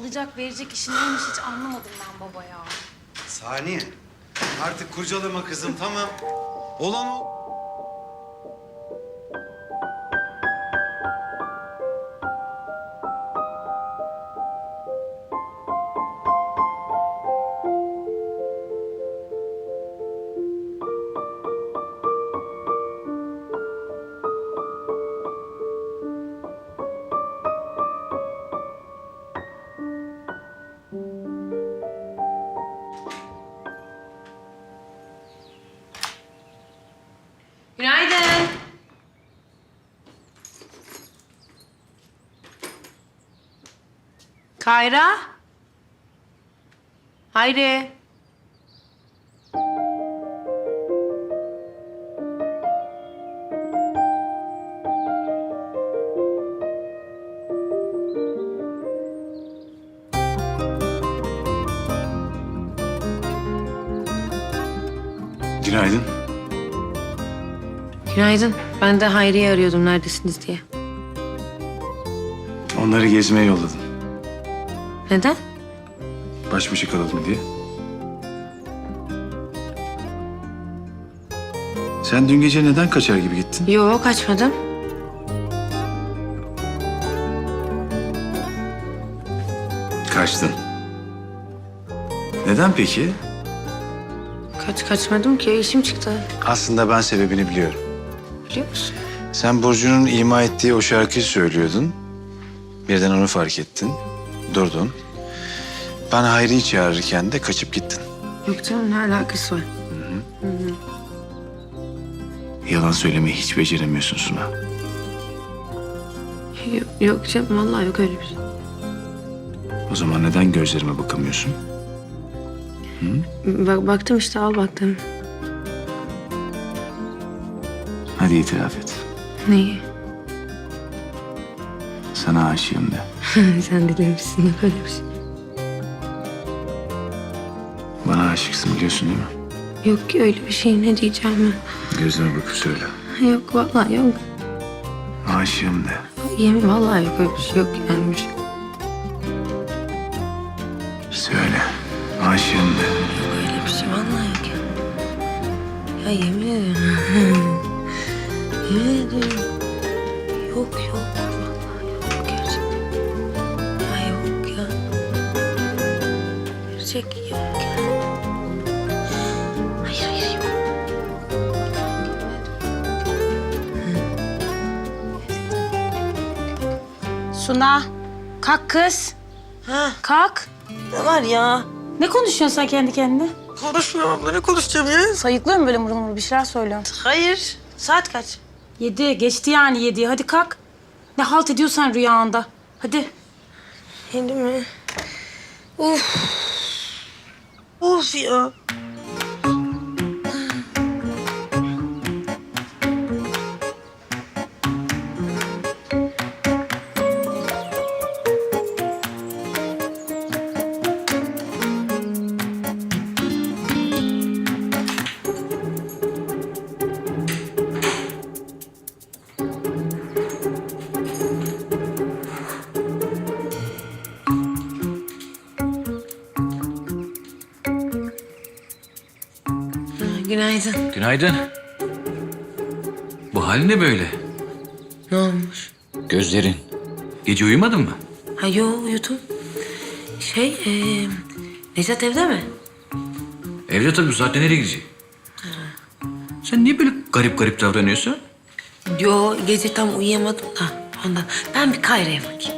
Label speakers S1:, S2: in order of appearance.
S1: alacak verecek işi neymiş hiç anlamadım ben baba ya.
S2: Saniye. Artık kurcalama kızım, tamam. Olan o.
S1: Günaydın. Kayra. Hayri.
S2: Günaydın.
S1: Günaydın. Ben de Hayri'yi arıyordum neredesiniz diye.
S2: Onları gezmeye yolladım.
S1: Neden?
S2: Baş başa kalalım diye. Sen dün gece neden kaçar gibi gittin?
S1: Yok kaçmadım.
S2: Kaçtın. Neden peki?
S1: Kaçmadım ki işim çıktı.
S2: Aslında ben sebebini biliyorum.
S1: Biliyor musun?
S2: Sen Burcu'nun ima ettiği o şarkıyı söylüyordun. Birden onu fark ettin. Durdun. Ben Hayri'yi çağırırken de kaçıp gittin.
S1: Yok canım ne alakası var?
S2: Yalan söylemeyi hiç beceremiyorsun Suna.
S1: Yok canım vallahi yok öyle bir şey.
S2: O zaman neden gözlerime bakamıyorsun?
S1: Baktım işte al baktım.
S2: Hadi itiraf et.
S1: Neyi?
S2: Sana aşığım de.
S1: Sen deli misin? Yok öyle bir şey.
S2: Bana aşıksın biliyorsun değil mi?
S1: Yok ki öyle bir şey ne diyeceğim ben.
S2: Gözlerime bakıp söyle.
S1: Yok vallahi yok.
S2: Aşığım de.
S1: Yemin vallahi yok öyle bir şey yok yani bir şey.
S2: Söyle. Aşığım de.
S1: Yok öyle bir şey vallahi yok ya. Ya yemin ederim. Yemin ederim. Yok vallahi yok gerçekten. Ya yok ya. Gerçek yok ya. Hayır yok.
S3: Suna, kalk kız.
S4: Ha,
S3: Kalk.
S4: ne var ya?
S3: Ne konuşuyorsun sen kendi kendine?
S4: Konuşmuyorum abla, ne konuşacağım ya?
S3: Sayıklıyor mu böyle mırıl mırıl bir şeyler söylüyorsun?
S4: Hayır. Saat kaç?
S3: 7, geçti yani 7'yi. Hadi kalk. Ne halt ediyorsan rüyanda. Hadi.
S4: Yedi mi? Of. Of ya.
S1: Günaydın.
S5: Günaydın. Bu hal ne böyle?
S1: Ne olmuş?
S5: Gözlerin. Gece uyumadın mı?
S1: Ha yo uyudum. Necat evde mi?
S5: Evde tabii, bu saatte nereye gidecek? Sen niye böyle garip garip davranıyorsun?
S1: Yo gece tam uyuyamadım da ondan. Ben bir Kayra'ya bakayım.